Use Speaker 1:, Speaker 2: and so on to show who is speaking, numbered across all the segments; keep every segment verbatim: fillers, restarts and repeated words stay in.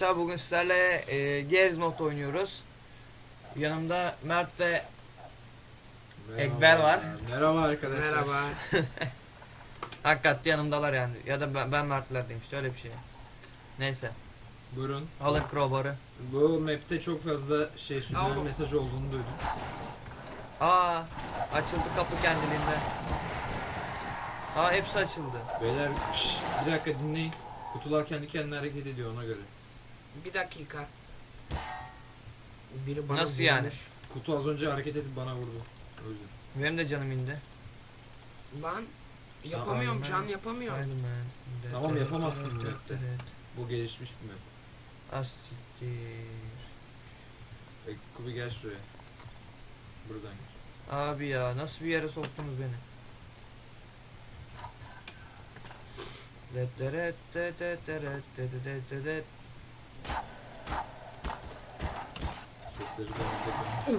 Speaker 1: arkadaşlar, bugün sizlerle e, Gears Mod oynuyoruz. Yanımda Mert ve Ekber var.
Speaker 2: Merhaba arkadaşlar.
Speaker 3: Merhaba.
Speaker 1: Hakikaten yanımdalar yani. Ya da ben, ben Mert'lerdeyim işte, öyle bir şey. Neyse.
Speaker 2: Buyurun.
Speaker 1: Alın crowbar'ı.
Speaker 2: Bu map'te çok fazla şey subliminal
Speaker 3: Tamam.
Speaker 2: mesaj olduğunu duydum.
Speaker 1: Aa, açıldı kapı kendiliğinden. Aa, hepsi açıldı.
Speaker 2: Beyler şşş, bir dakika dinleyin. Kutular kendi kendine hareket ediyor ona göre.
Speaker 3: Bir dakika. Biri bana
Speaker 1: Nasıl yani?
Speaker 3: vurmuş.
Speaker 2: Kutu az önce hareket edip bana vurdu. O yüzden.
Speaker 1: Benim de canım indi.
Speaker 3: Lan yapamıyorum,
Speaker 1: Tamam.
Speaker 3: can yapamıyorum.
Speaker 1: Aynen ben.
Speaker 2: Tamam, yapamazsın bu map'te. Bu gelişmiş bir map.
Speaker 1: Astiktir.
Speaker 2: E, Kubi gel şuraya. Buradan gel.
Speaker 1: Abi ya, nasıl bir yere soktunuz beni? Det deret det det deret det det det det.
Speaker 2: Sesleri ben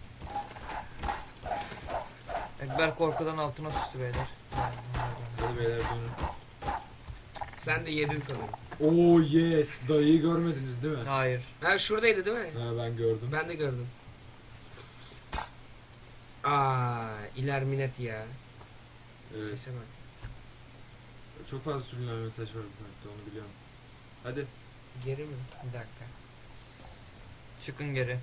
Speaker 1: Ekber korkudan altına sıçtı beyler.
Speaker 2: Hadi beyler dönün.
Speaker 3: Sen de yedin sanırım.
Speaker 2: Oo yes. Dayıyı görmediniz değil mi?
Speaker 1: Hayır.
Speaker 3: Ha şuradaydı değil mi?
Speaker 2: Ha, ben gördüm.
Speaker 3: Ben de gördüm. Aa, ilerminet ya.
Speaker 2: Evet.
Speaker 3: Sese bak.
Speaker 2: Çok fazla subliminal mesaj var bu map'te, onu biliyorum. Hadi.
Speaker 3: Geri mi?
Speaker 1: Bir dakika. Çıkın geri.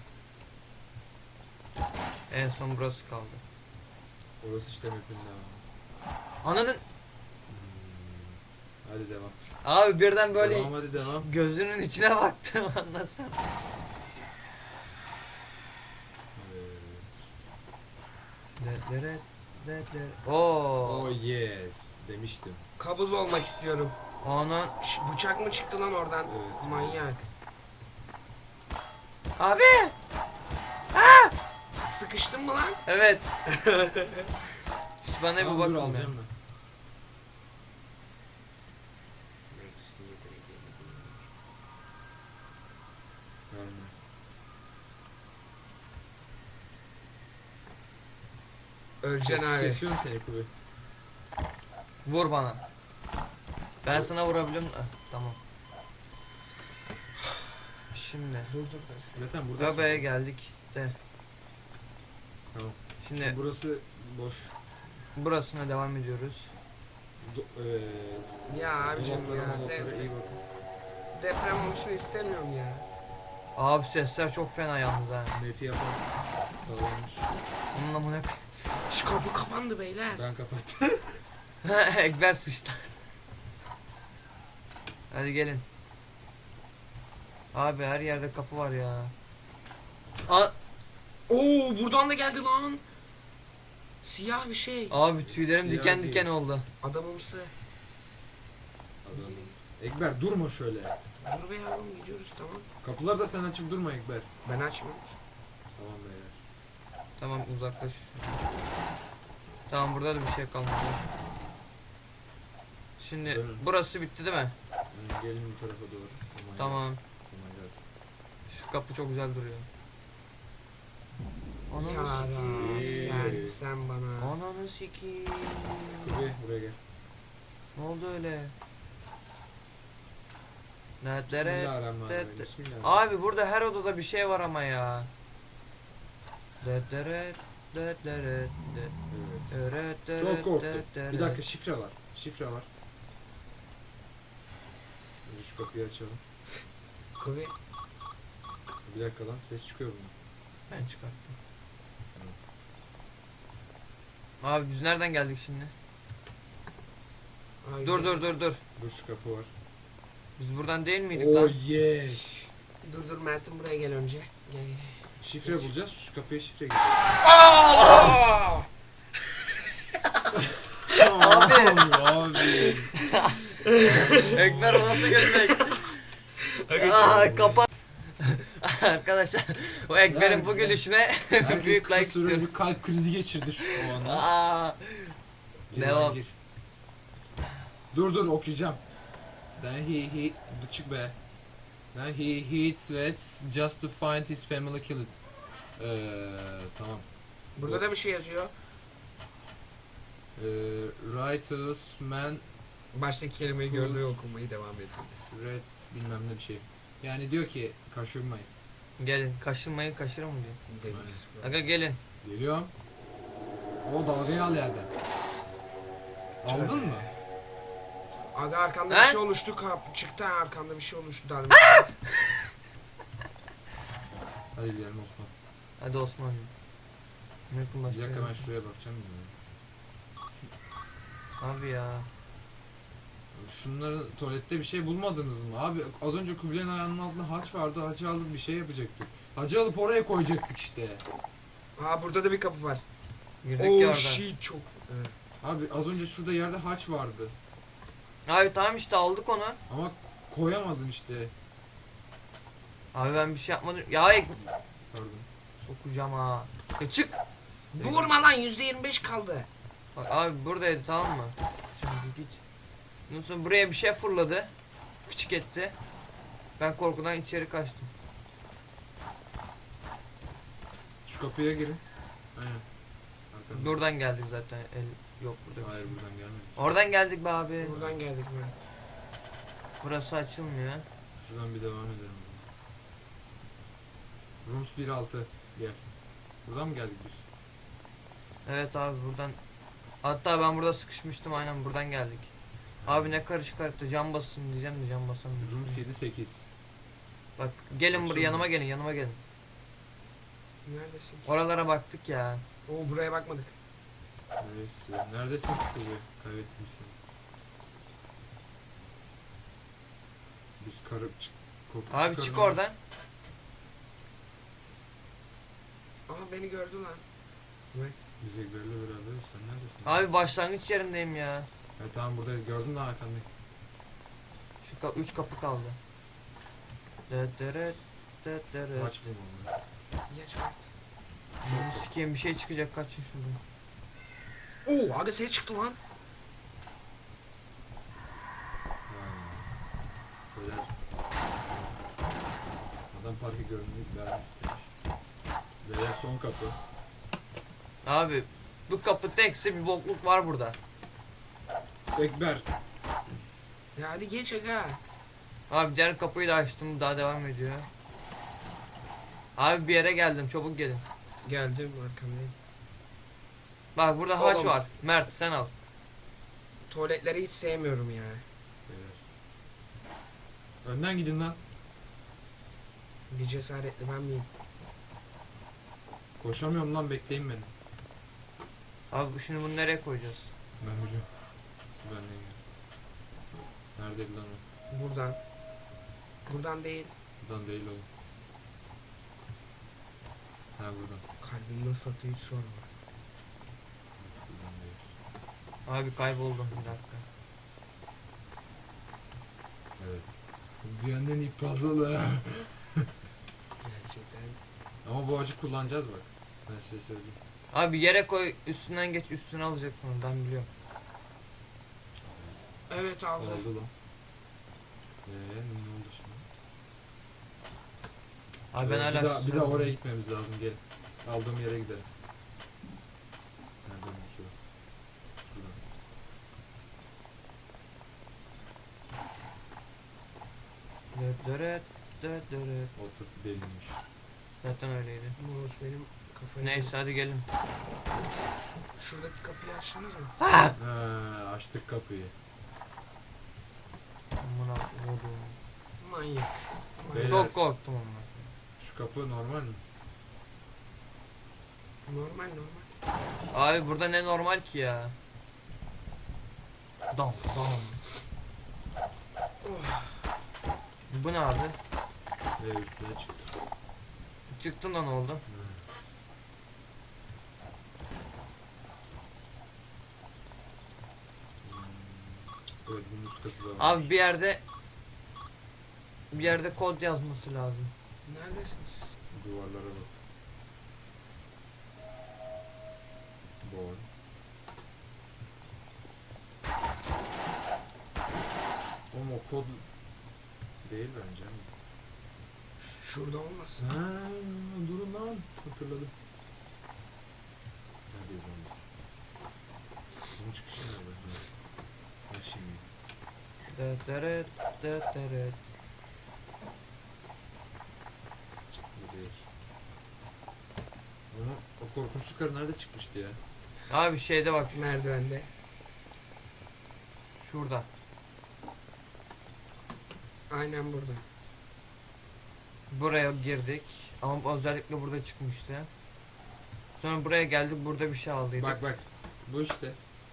Speaker 1: En son burası kaldı.
Speaker 2: Orası işte map'in devamı.
Speaker 1: Ananın.
Speaker 2: Hmm. Hadi devam.
Speaker 1: Abi birden böyle
Speaker 2: Devam, hadi devam.
Speaker 1: gözünün içine baktım, anlasana.
Speaker 2: Evet.
Speaker 1: Det deret det deret. Oo.
Speaker 2: Oh yes demiştim.
Speaker 3: Kabuz olmak istiyorum.
Speaker 1: Onun.
Speaker 3: Şş, bıçak mı çıktı lan oradan?
Speaker 2: Evet.
Speaker 3: Manyak.
Speaker 1: Abi.
Speaker 3: Sıkıştın mı lan?
Speaker 1: Evet. Siz bana bir
Speaker 2: Tamam,
Speaker 1: bakın.
Speaker 2: dur
Speaker 1: ya.
Speaker 2: alacağım ben. Verme.
Speaker 3: Öleceksin
Speaker 2: Kes-
Speaker 3: abi.
Speaker 2: Kesiyorum seni Kubi.
Speaker 1: Vur bana. Ben sana vurabiliyorum. Ah, tamam. Şimdi
Speaker 3: Dur dur dur.
Speaker 2: Zaten burada.
Speaker 1: Göbeğe geldik de.
Speaker 2: Tamam.
Speaker 1: Şimdi
Speaker 2: Burası boş.
Speaker 1: burasına devam ediyoruz.
Speaker 2: Do evet.
Speaker 3: Ya abicim
Speaker 2: Dolaplara,
Speaker 3: ya.
Speaker 2: molaplara
Speaker 3: De
Speaker 2: iyi bakın.
Speaker 3: deprem olsun istemiyorum ya.
Speaker 1: Abi sesler çok fena yalnız ha.
Speaker 2: Map'i yapan sağlanmış.
Speaker 1: Bunun amına
Speaker 3: Şu kapı kapandı beyler.
Speaker 2: Ben kapattım.
Speaker 1: Ekber sıçtı. Hadi gelin. Abi her yerde kapı var ya. A
Speaker 3: Oo buradan da geldi lan. Siyah bir şey.
Speaker 1: abi tüylerim
Speaker 2: Siyah
Speaker 1: diken
Speaker 2: değil.
Speaker 1: diken oldu.
Speaker 3: Adamımsı.
Speaker 2: Adamım. Ekber durma şöyle.
Speaker 3: Dur be yavrum gidiyoruz tamam.
Speaker 2: Kapıları da sen açıp durma Ekber.
Speaker 3: Ben açmam.
Speaker 2: Tamam beyler.
Speaker 1: Tamam, uzaklaş. Tamam, burada da bir şey kalmadı. Şimdi
Speaker 2: Dönün.
Speaker 1: burası bitti değil mi?
Speaker 2: Yani gelin bu tarafa doğru. Oh my
Speaker 1: Tamam.
Speaker 2: God. Oh my God.
Speaker 1: Şu kapı çok güzel duruyor. Ananı
Speaker 3: Yara
Speaker 1: sikeyim.
Speaker 3: sen, sen bana.
Speaker 1: Ananı sikeyim.
Speaker 2: Kubi buraya gel.
Speaker 1: Ne oldu öyle? Netlere.
Speaker 2: Bismillahirrahmanirrahim.
Speaker 1: det-
Speaker 2: Bismillahirrahmanirrahim.
Speaker 1: Abi burada her odada bir şey var ama ya. Detlere, detlere,
Speaker 2: Evet. Çok korktum. Bir dakika, şifre var. Şifre var. Önce şu kapıyı açalım.
Speaker 3: Kubi.
Speaker 2: Bir dakika lan, ses çıkıyor bunun.
Speaker 1: Ben çıkarttım. Abi biz nereden geldik şimdi?
Speaker 3: Ay,
Speaker 1: Dur dur dur dur.
Speaker 2: Dur, şu kapı var.
Speaker 1: Biz buradan değil miydik
Speaker 2: Oh
Speaker 1: lan?
Speaker 2: yes.
Speaker 3: Dur dur Mert'im buraya gel önce. Gel gel.
Speaker 2: Şifre bulacağız. Şu kapıya şifre gireceğiz.
Speaker 3: Aa!
Speaker 2: Abi. Abi.
Speaker 1: Ekber, o nasıl gülmek? Aa, kapat. Arkadaşlar, o Ekber'in bu gülüşüne
Speaker 2: Herkes
Speaker 1: büyük
Speaker 2: kısa
Speaker 1: like
Speaker 2: süre
Speaker 1: istiyorum.
Speaker 2: bir kalp krizi geçirdi şu o anda.
Speaker 1: Aa,
Speaker 2: Gir
Speaker 1: devam.
Speaker 2: lan, gir. Dur dur okuyacağım. Then he he dur çık be. Then he hits Vets just to find his family killed. Eee tamam.
Speaker 3: Burada da bir şey yazıyor.
Speaker 2: Eee righteous man
Speaker 3: Baştaki kelimeyi gördüğü okumayı devam ediyor.
Speaker 2: Reds bilmem ne bir şey. Yani diyor ki kaşınmayın.
Speaker 1: Gelin kaşınmayı kaşırın mı diyor.
Speaker 3: Deniz.
Speaker 1: Aga gelin.
Speaker 2: Geliyorum. O dalgayı al yerden. Aldın mı?
Speaker 3: Aga arkamda
Speaker 1: He?
Speaker 3: bir şey oluştu. Kap çıktı ha, arkamda bir şey oluştu. Daha
Speaker 2: Hadi gidelim Osman.
Speaker 1: Hadi Osman. Mümkün
Speaker 2: Bir
Speaker 1: başka
Speaker 2: dakika
Speaker 1: yer.
Speaker 2: ben şuraya bakacağım. Ya.
Speaker 1: Abi ya.
Speaker 2: Şunların tuvalette bir şey bulmadınız mı? Abi az önce Kubilay'ın ayağının altında haç vardı. Haçı alıp bir şey yapacaktık. Hacı alıp oraya koyacaktık işte.
Speaker 3: Aa burada da bir kapı var.
Speaker 1: Girdik ya
Speaker 3: Oh
Speaker 1: orada.
Speaker 3: shit çok. Evet.
Speaker 2: Abi az önce şurada yerde haç vardı.
Speaker 1: Abi tamam işte aldık onu.
Speaker 2: Ama koyamadım işte.
Speaker 1: Abi ben bir şey yapmadım. Ya ek-
Speaker 2: Pardon.
Speaker 1: sokacağım ha. Ya çık.
Speaker 3: Vurma lan yüzde yirmi beş kaldı.
Speaker 1: Bak abi buradaydı tamam mı? Sen bir git. Ondan sonra buraya bir şey fırladı. Fıçık etti. Ben korkudan içeri kaçtım.
Speaker 2: Şu kapıya girin. Aynen. Arkadan.
Speaker 1: Buradan geldik zaten. El yok burada bir
Speaker 2: Hayır
Speaker 1: şey.
Speaker 2: buradan gelmedik.
Speaker 1: Oradan geldik be abi.
Speaker 3: Buradan geldik mi?
Speaker 1: Burası açılmıyor.
Speaker 2: Şuradan bir devam edelim. Rooms bir altı. Gel. Buradan mı geldik biz?
Speaker 1: Evet abi buradan. Hatta ben burada sıkışmıştım aynen buradan geldik. Abi ne karışık harita cam basın diyeceğim de cam basamıyorum.
Speaker 2: Rooms yedi sekiz.
Speaker 1: Bak gelin buraya
Speaker 2: Açılmıyor.
Speaker 1: yanıma gelin yanıma gelin.
Speaker 3: Neredesin?
Speaker 1: Oralara baktık ya.
Speaker 3: Oo buraya bakmadık.
Speaker 2: Neresi? Neredesin kızı? Kaybettim seni. Biz karıp çık. kopu
Speaker 1: Abi çık
Speaker 2: çıkaralım.
Speaker 1: oradan.
Speaker 3: Aha beni gördü lan.
Speaker 2: Biz Ekber'le beraberiz. Sen neredesin?
Speaker 1: Abi başlangıç yerindeyim ya.
Speaker 2: Ha, tamam burada gördüm lan arkandayım.
Speaker 1: Şu ka üç kapı kaldı. Dıt dırıt, dıt dırıt.
Speaker 2: Aç bunu onları.
Speaker 3: Geç bak.
Speaker 1: Bunu sikeyim bir şey çıkacak kaçın şuradan.
Speaker 3: Oo aga ses çıktı lan.
Speaker 2: Beyler. Adam parkı görünmek vermek istemiş. Beyler son kapı.
Speaker 1: Abi bu kapı tekse bir bokluk var burada.
Speaker 2: Ekber.
Speaker 3: Ya hadi geç aga.
Speaker 1: Abi diğer kapıyı da açtım daha devam ediyor. Abi bir yere geldim çabuk gelin.
Speaker 3: Geldim arkamdayım.
Speaker 1: Bak burada haç
Speaker 3: Oğlum.
Speaker 1: var. Mert sen al.
Speaker 3: Tuvaletleri hiç sevmiyorum ya.
Speaker 2: Beyler. Önden gidin lan.
Speaker 3: Bir cesaretli ben miyim?
Speaker 2: Koşamıyorum lan, bekleyin beni.
Speaker 1: Abi şimdi bunu nereye koyacağız?
Speaker 2: Ben biliyorum. Ben de gel. Neredeydi lan o?
Speaker 3: Buradan. Buradan değil.
Speaker 2: Buradan değil oğlum. Ha buradan.
Speaker 3: Kalbim nasıl atıyor hiç sorma.
Speaker 2: Buradan değil.
Speaker 1: Abi kayboldum bir dakika.
Speaker 2: Evet. Dünyanın en iyi puzzle'ı.
Speaker 3: Gerçekten.
Speaker 2: Ama bu acı kullanacağız bak. Ben size söyleyeyim.
Speaker 1: Abi yere koy üstünden geç üstüne alacaksın onu ben biliyorum.
Speaker 3: Evet aldı.
Speaker 2: Oldu lan. Eee ne oldu şimdi?
Speaker 1: Abi ben
Speaker 2: Ee,
Speaker 1: hala
Speaker 2: bir daha, bir daha
Speaker 1: susuyorum.
Speaker 2: oraya gitmemiz lazım, gelin. Aldığım yere gidelim. Nereden bakıyor? Şuradan.
Speaker 1: Dıt dırıt, dıt dırıt.
Speaker 2: Ortası delinmiş.
Speaker 1: Zaten öyleydi.
Speaker 3: Mouse benim kafayı...
Speaker 1: Neyse hadi gelin.
Speaker 3: Şuradaki kapıyı açtınız mı?
Speaker 2: Ha, açtık kapıyı.
Speaker 1: Amına koydum.
Speaker 3: Manyak.
Speaker 2: Beyler.
Speaker 1: Çok korktum ama.
Speaker 2: Şu kapı normal mi?
Speaker 3: Normal normal.
Speaker 1: Abi burada ne normal ki ya? Dam dam.
Speaker 3: Oh.
Speaker 1: Bu ne abi?
Speaker 2: Ve üstüne çıktı.
Speaker 1: Çıktın da ne oldu?
Speaker 2: Hmm. Evet, bunun üst katı da var.
Speaker 1: Abi bir yerde bir yerde kod yazması lazım.
Speaker 3: Neredesiniz?
Speaker 2: Duvarlara bak. Boy. Oğlum o kod değil bence ama.
Speaker 3: Şurada olmasın.
Speaker 2: Ha, durun lan. Hatırladım. Neredeyiz lan biz? Bunun çıkışı nerede? Ha şimdi.
Speaker 1: Dıt dırıt, dıt dırıt.
Speaker 2: O korkunçlu karı nerede çıkmıştı ya?
Speaker 1: Abi şeyde bak şu-
Speaker 3: Merdivende.
Speaker 1: şurada.
Speaker 3: Aynen burada.
Speaker 1: Buraya girdik. Ama özellikle burada çıkmıştı. Sonra buraya geldik, burada bir şey aldıydık.
Speaker 2: Bak bak. Bu işte.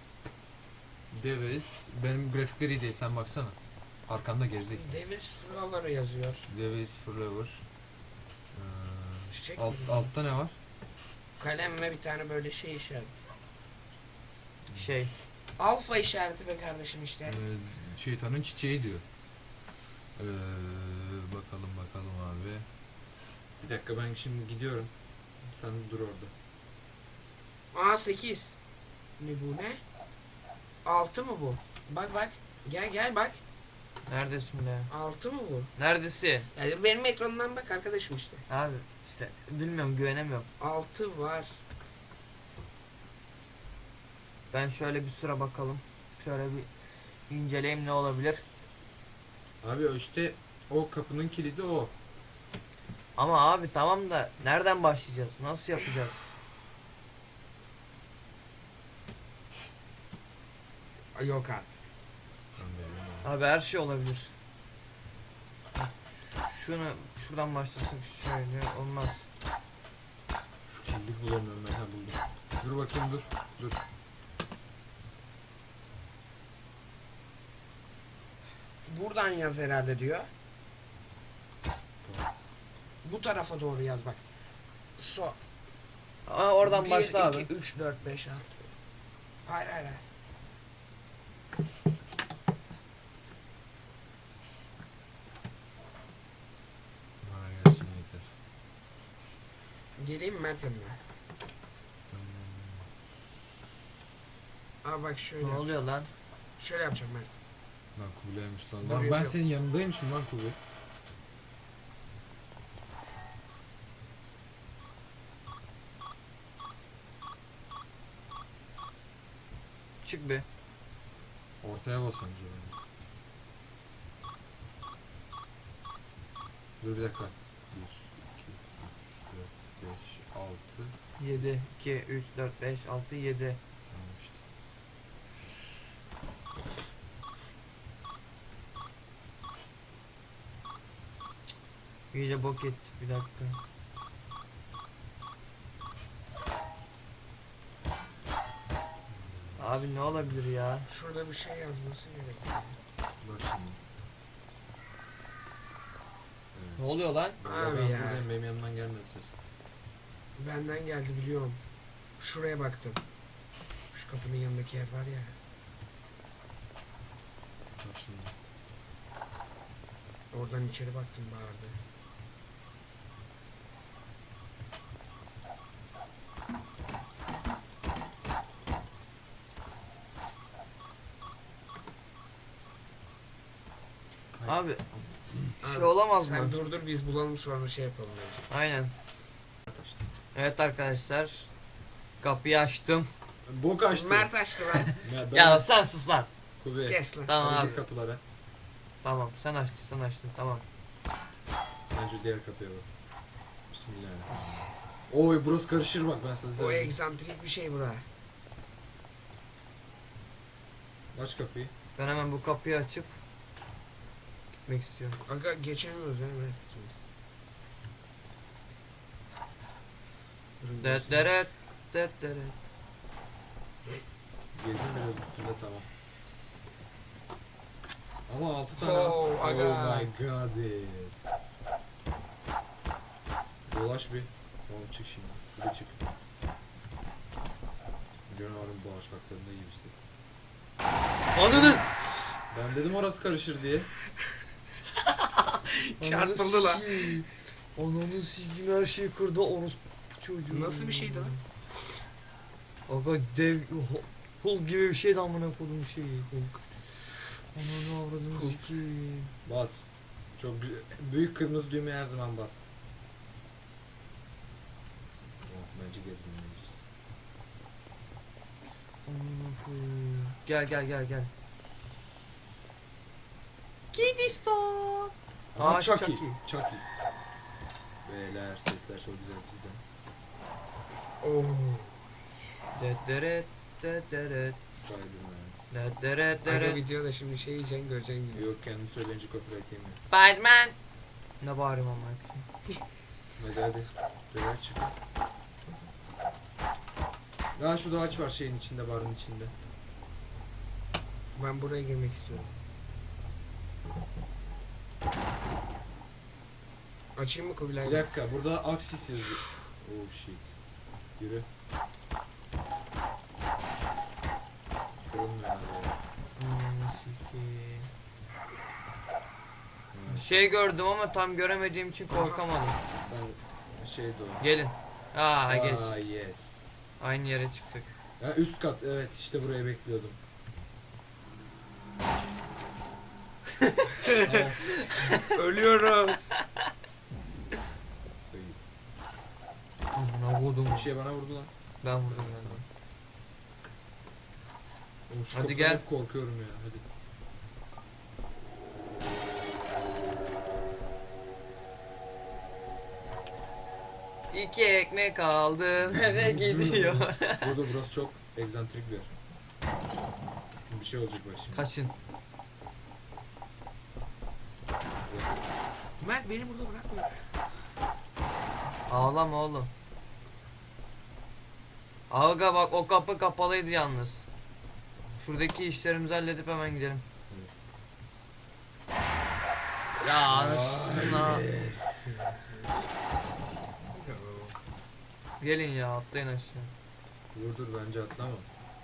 Speaker 2: Davis. Benim grafikleri iyi değil, sen baksana. Arkanda gerizekalı.
Speaker 3: Davis Flower yazıyor.
Speaker 2: Davis Flower. Ee,
Speaker 3: Çiçek
Speaker 2: alt,
Speaker 3: mi?
Speaker 2: altta ne var?
Speaker 3: Kalem ve bir tane böyle şey işareti.
Speaker 1: Şey.
Speaker 3: Alfa işareti be kardeşim işte.
Speaker 2: Ee, şeytanın çiçeği diyor. Ee, bakalım bakalım abi. Bir dakika, ben şimdi gidiyorum. Sen dur orada.
Speaker 3: Aa sekiz. Ne bu ne? altı mı bu? Bak bak. Gel gel bak.
Speaker 1: Neredesin be?
Speaker 3: altı mı bu?
Speaker 1: Neredesin?
Speaker 3: Yani benim ekranımdan bak arkadaşım işte.
Speaker 1: Abi işte bilmiyorum, güvenemiyorum.
Speaker 3: altı var.
Speaker 1: Ben şöyle bir sıra bakalım. Şöyle bir inceleyeyim ne olabilir.
Speaker 2: Abi o işte o kapının kilidi o.
Speaker 1: Ama abi tamam da nereden başlayacağız? Nasıl yapacağız?
Speaker 3: Ay, yok artık.
Speaker 1: Abi her şey olabilir. Şunu şuradan başlasak şöyle olmaz.
Speaker 2: Şu kilidi bulamıyorum ben, ha buldum. Dur bakayım, dur. Dur.
Speaker 3: Buradan yaz herhalde diyor. Bu tarafa doğru yaz bak. So.
Speaker 1: Aa, oradan başla abi.
Speaker 3: bir, iki, üç, dört, beş, altı. Hayır hayır hayır.
Speaker 2: Bana gelsin yeter.
Speaker 3: Geleyim mi Mert yanına? Aa bak şöyle.
Speaker 1: Ne oluyor lan?
Speaker 3: Şöyle yapacağım Mert.
Speaker 2: Lan Kubilay'mış lan.
Speaker 3: Dur,
Speaker 2: Lan ben
Speaker 3: yazıyorum.
Speaker 2: senin yanındaymışım lan Kubilay.
Speaker 1: Çık bir.
Speaker 2: Ortaya bas önce. Dur bir dakika. bir, iki, üç, dört, beş, altı.
Speaker 1: yedi, iki, üç, dört, beş, altı, yedi.
Speaker 2: Tamam işte.
Speaker 1: İyice bok ettik, bir dakika. Abi ne olabilir ya?
Speaker 3: Şurada bir şey yazması gerekiyor.
Speaker 2: Bak şimdi.
Speaker 1: Ne oluyor lan?
Speaker 2: Burada
Speaker 3: Abi
Speaker 2: ben
Speaker 3: ya.
Speaker 2: buradayım, benim yanımdan gelmedi ses.
Speaker 3: Benden geldi biliyorum. Şuraya baktım. Şu kapının yanındaki yer var ya.
Speaker 2: Bak şimdi.
Speaker 3: Oradan içeri baktım, bağırdı.
Speaker 1: Abi bir şey
Speaker 3: Abi,
Speaker 1: olamaz
Speaker 3: sen
Speaker 1: mı?
Speaker 3: dur dur biz bulalım sonra şey yapalım bence.
Speaker 1: Aynen.
Speaker 2: Açtı.
Speaker 1: Evet arkadaşlar. Kapıyı açtım.
Speaker 2: Bok açtı.
Speaker 3: Mert açtı lan.
Speaker 2: Ya, ben...
Speaker 1: Ya sen sus lan.
Speaker 2: Kubi.
Speaker 3: Kes lan.
Speaker 1: Tamam
Speaker 2: Hadi
Speaker 1: abi.
Speaker 2: gir kapılara.
Speaker 1: Tamam, sen açtın, sen açtın, tamam.
Speaker 2: Bence diğer kapıya bak. Bismillahirrahmanirrahim. Oy burası karışır bak, ben size
Speaker 3: O
Speaker 2: söyleyeyim.
Speaker 3: egzantrik bir şey bura.
Speaker 2: Aç kapıyı.
Speaker 1: Ben hemen bu kapıyı açıp gitmek istiyorum.
Speaker 3: Aga geçemiyoruz ya Mert. Durun,
Speaker 1: Det
Speaker 3: geçelim.
Speaker 1: deret det deret.
Speaker 2: Gezin biraz üstünde, tamam. Ama altı tane.
Speaker 3: Oh, aga.
Speaker 2: Oh my god it. Dolaş bir. Tamam çık şimdi. Bir çık. Canavarın bağırsaklarında gibisin.
Speaker 1: Ananı!
Speaker 2: Ben dedim orası karışır diye.
Speaker 3: Çarpıldı lan.
Speaker 1: Ananı sikeyim, her şeyi kırdı orospu çocuğu.
Speaker 3: Nasıl bir şeydi lan?
Speaker 1: Aga dev Hu- Hulk gibi bir şeydi amına kodum şeyi. Hulk. Ananı avradını
Speaker 2: Hulk.
Speaker 1: sikeyim.
Speaker 2: Bas. Çok güzel. Büyük kırmızı düğmeye her zaman bas. Oh, bence geri dönmeyeceğiz.
Speaker 1: Amına koyayım. Gel gel gel gel. Kidistan.
Speaker 2: Aa,
Speaker 1: Aa,
Speaker 2: Chucky.
Speaker 1: Chucky.
Speaker 2: Chucky. Beyler sesler çok güzel cidden.
Speaker 3: Oh.
Speaker 1: Dederet dederet
Speaker 2: Spider-Man.
Speaker 1: dederet
Speaker 3: Aga
Speaker 1: dederet.
Speaker 3: videoda şimdi şey yiyeceksin göreceksin gibi.
Speaker 2: Yok kendi söyleyince copyright yemiyor.
Speaker 1: Spiderman. Ne bağırıyorum ama.
Speaker 2: Hadi hadi. Beyler çık. Daha şurada ağaç var şeyin içinde, barın içinde.
Speaker 3: Ben buraya girmek istiyorum. Açayım mı Kubilay?
Speaker 2: Bir dakika, burada Axis yazıyor. Oh shit. Yürü. Kırılmıyor abi.
Speaker 1: Ananı sikeyim. Bir şey gördüm ama tam göremediğim için korkamadım.
Speaker 2: Ben şey doğru.
Speaker 1: Gelin. Aa geç.
Speaker 2: Aa yes.
Speaker 1: Aynı yere çıktık.
Speaker 2: Ya üst kat, evet işte buraya bekliyordum.
Speaker 3: Ölüyoruz.
Speaker 1: Amına vurdum.
Speaker 2: Bir şey bana vurdu lan.
Speaker 1: Ben vurdum ben de.
Speaker 2: Oğlum şu
Speaker 1: Hadi
Speaker 2: kapıdan
Speaker 1: gel.
Speaker 2: hep korkuyorum ya, hadi.
Speaker 1: İki ekmek aldım eve gidiyor.
Speaker 2: Burada burası çok egzantrik bir yer. Bir şey olacak bak şimdi.
Speaker 1: Kaçın.
Speaker 3: Mert beni burada bırakma.
Speaker 1: Ağlama oğlum. Aga bak o kapı kapalıydı yalnız. Şuradaki işlerimizi halledip hemen gidelim. Ya anasına. Gelin ya atlayın aşağı.
Speaker 2: Dur dur, bence atlama.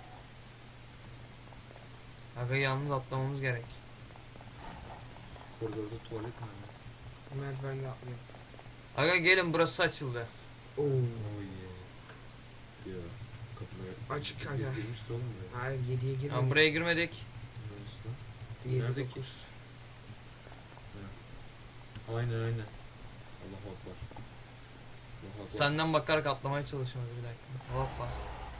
Speaker 1: Aga yalnız atlamamız gerek.
Speaker 2: Koridorda tuvalet mi var?
Speaker 3: Mert ben de atlıyorum.
Speaker 1: Aga gelin burası açıldı.
Speaker 3: Oo.
Speaker 2: Oh yeah. Ya kapıları
Speaker 3: Açık
Speaker 2: biz
Speaker 3: aga.
Speaker 2: girmişiz oğlum buraya.
Speaker 3: Hayır yediye
Speaker 1: Ama
Speaker 3: girmedik.
Speaker 1: buraya girmedik.
Speaker 2: Neresi lan?
Speaker 3: yedi
Speaker 2: Nerede ki?
Speaker 3: dokuz.
Speaker 2: Aynen aynen. Allahu Akbar. Allahu Akbar.
Speaker 1: Senden bakarak atlamaya çalışıyoruz bir dakika. Hoppa.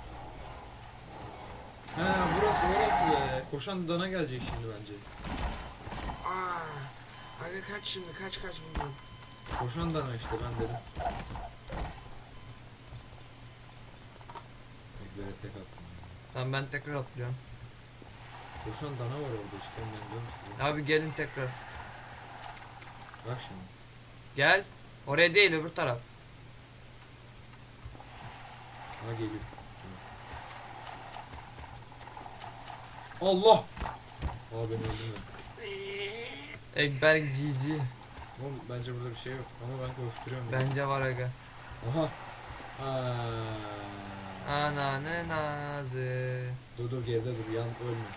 Speaker 2: Ha burası orası be. Koşan dana gelecek şimdi bence.
Speaker 3: Aa. Aga kaç şimdi kaç kaç bundan.
Speaker 2: Koşan dana işte, ben dedim. Eklere tek attım.
Speaker 1: Tamam ben tekrar atlıyorum.
Speaker 2: Koşan dana var orada işte, ben diyorum size.
Speaker 1: Abi gelin tekrar.
Speaker 2: Bak şimdi.
Speaker 1: Gel. Oraya değil öbür taraf.
Speaker 2: Ha geliyor. Allah! Aa ben öldüm ya.
Speaker 1: Ekber G G.
Speaker 2: Oğlum bence burada bir şey yok ama ben koşturuyorum. ya.
Speaker 1: Bence var aga.
Speaker 2: Aha. Aa.
Speaker 1: Ananı nazı.
Speaker 2: Dur dur, geride dur, yan ölme.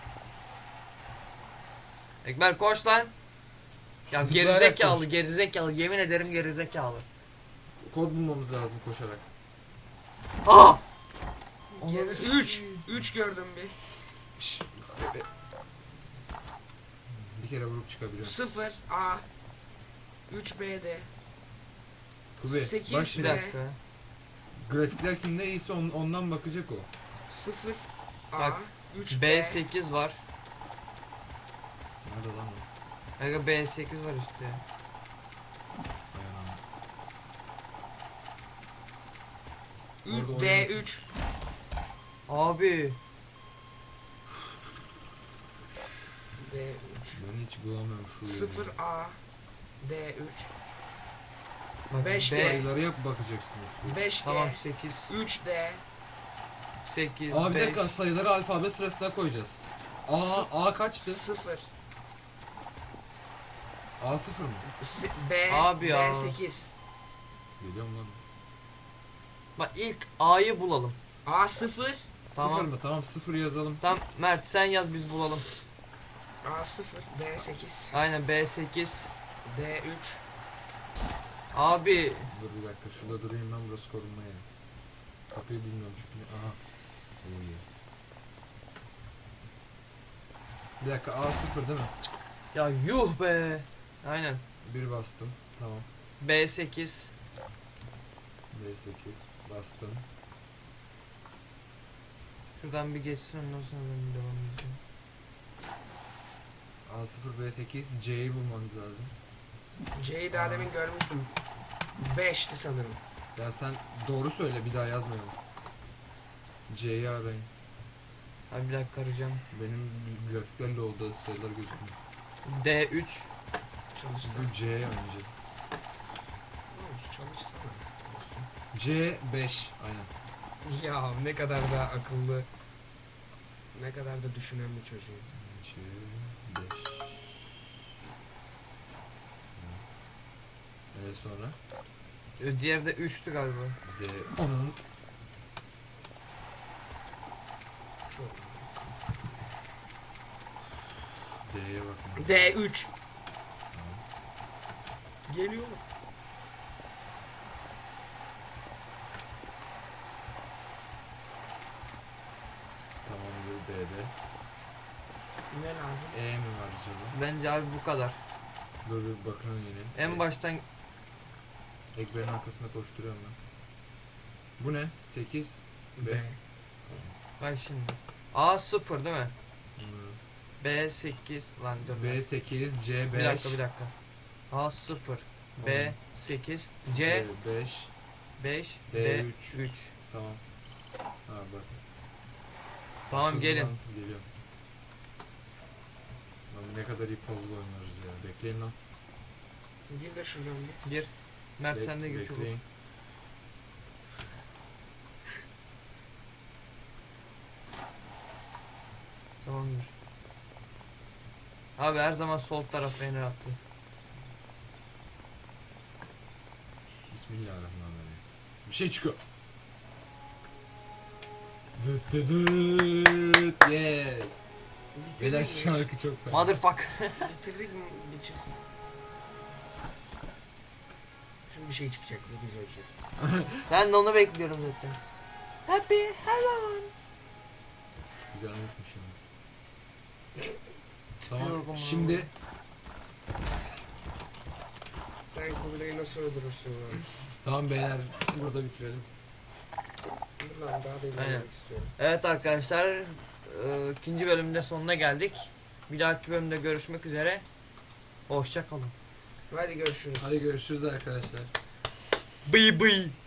Speaker 1: Ekber koş lan. Ya
Speaker 2: Zıplayarak
Speaker 1: gerizekalı
Speaker 2: koş.
Speaker 1: gerizekalı yemin ederim gerizekalı.
Speaker 2: Kod bulmamız lazım koşarak.
Speaker 1: Ah!
Speaker 3: üç. üç gördüm bir.
Speaker 2: Şşş. Be- Bir kere vurup çıkabiliyorum.
Speaker 3: sıfır A. üç B'de.
Speaker 2: Kubi,
Speaker 3: sekiz
Speaker 2: bak
Speaker 1: Bir
Speaker 2: şimdi.
Speaker 1: dakika.
Speaker 2: Grafikler kimde iyiyse on- ondan bakacak o.
Speaker 3: sıfır A.
Speaker 1: Bak,
Speaker 3: üç
Speaker 1: B
Speaker 3: B.
Speaker 1: sekiz var.
Speaker 2: Nerede lan o?
Speaker 1: Aga B sekiz var işte.
Speaker 2: Dayanamam.
Speaker 3: üç
Speaker 2: Orada
Speaker 3: D
Speaker 2: oynamak-
Speaker 3: üç.
Speaker 1: Abi.
Speaker 3: D üç.
Speaker 2: Ben hiç bulamıyorum şu yeri.
Speaker 3: sıfır A. D üç.
Speaker 1: Bak,
Speaker 3: Beş
Speaker 1: B-
Speaker 3: B.
Speaker 2: Sayıları yap bakacaksınız.
Speaker 3: beş G.
Speaker 1: Tamam sekiz.
Speaker 3: üç D.
Speaker 1: sekiz.
Speaker 2: Aa bir
Speaker 1: beş.
Speaker 2: dakika, sayıları alfabe sırasına koyacağız. A, A kaçtı?
Speaker 3: sıfır.
Speaker 2: A sıfır mı?
Speaker 3: S- B.
Speaker 1: Abi ya.
Speaker 3: B sekiz.
Speaker 2: Geliyorum lan.
Speaker 1: Bak ilk A'yı bulalım.
Speaker 3: A sıfır.
Speaker 1: Tamam.
Speaker 2: Sıfır mı? Tamam, sıfır yazalım.
Speaker 1: Tamam Mert sen yaz biz bulalım.
Speaker 3: A sıfır. B sekiz.
Speaker 1: Aynen B sekiz.
Speaker 3: D üç.
Speaker 1: Abi
Speaker 2: Dur bir dakika, şurada durayım ben, burası korunma yeri. Kapıyı bilmiyorum çünkü. Aha. Oo, iyi. Bir dakika, A sıfır değil mi?
Speaker 1: ya yuh be. Aynen.
Speaker 2: Bir bastım. Tamam.
Speaker 1: B sekiz.
Speaker 2: B sekiz bastım.
Speaker 1: Şuradan bir geçsin ondan sonra ben devam edeceğim.
Speaker 2: A sıfır B sekiz C'yi bulmanız lazım.
Speaker 3: C'yi daha
Speaker 2: Aa.
Speaker 3: demin görmüştüm. beşti sanırım.
Speaker 2: Ya sen doğru söyle, bir daha yazmayalım. C'yi arayın.
Speaker 1: Abi bir dakika arayacağım.
Speaker 2: Benim grafiklerle oldu sayılar gözükmüyor.
Speaker 1: D üç.
Speaker 3: Çalışsana.
Speaker 2: Bu C önce.
Speaker 3: Oğlum, çalışsana. dostum.
Speaker 2: C beş aynen.
Speaker 3: Ya ne kadar da akıllı. Ne kadar da düşünen bir çocuğum.
Speaker 2: C beş. Evet sonra
Speaker 1: Ee, Diğeri de üçtü galiba.
Speaker 2: D onun
Speaker 3: Çok.
Speaker 2: D'ye bakın.
Speaker 3: D üç. Geliyor.
Speaker 2: Tamamdır D'de.
Speaker 3: Ne lazım?
Speaker 2: E mi var acaba?
Speaker 1: Bence abi bu kadar.
Speaker 2: Dur bir bakalım yine.
Speaker 1: En baştan
Speaker 2: Ekberin arkasında koşturuyorum ben. Bu ne? sekiz B.
Speaker 3: B.
Speaker 1: bak şimdi. A sıfır değil mi?
Speaker 2: Hmm.
Speaker 1: B sekiz lan dur.
Speaker 2: B sekiz, C beş.
Speaker 1: Bir dakika bir dakika. A sıfır. B
Speaker 2: Tamam.
Speaker 1: sekiz. C
Speaker 2: C beş.
Speaker 1: beş.
Speaker 2: D
Speaker 1: D
Speaker 2: üç.
Speaker 1: üç.
Speaker 2: Tamam. Ha bak.
Speaker 1: Tamam
Speaker 2: Açıldı
Speaker 1: gelin.
Speaker 2: lan, geliyorum. Lan ne kadar iyi puzzle oynuyoruz ya. Bekleyin lan.
Speaker 3: Gir de şuradan bir.
Speaker 1: Gir. Mert
Speaker 2: Bek-
Speaker 1: sen de gir çabuk.
Speaker 2: bekleyin.
Speaker 1: Tamamdır. Abi her zaman sol taraf beni attı.
Speaker 2: Bismillahirrahmanirrahim. Bir şey çıkıyor. Dıt dıt dıt. Yes. Beyler
Speaker 3: Bitirdik mi?
Speaker 2: şarkı çok fena.
Speaker 1: Motherfuck.
Speaker 3: Bitirdik mi? Bitches. Şimdi bir şey çıkacak. Ne biz öleceğiz.
Speaker 1: Ben de onu bekliyorum zaten. Happy hello.
Speaker 2: Güzel unutmuş yalnız.
Speaker 1: Tipiyorum
Speaker 2: Tamam.
Speaker 1: ama.
Speaker 2: Şimdi
Speaker 3: Sen Kubilay'ı nasıl öldürürsün lan?
Speaker 2: tamam beyler burada bitirelim.
Speaker 3: Dur lan daha da
Speaker 1: Aynen.
Speaker 3: ilerlemek istiyorum.
Speaker 1: Evet arkadaşlar, e, ikinci bölümde sonuna geldik. Bir dahaki bölümde görüşmek üzere. Hoşça kalın.
Speaker 3: Hadi görüşürüz.
Speaker 2: Hadi görüşürüz arkadaşlar.
Speaker 1: Bıy bıy.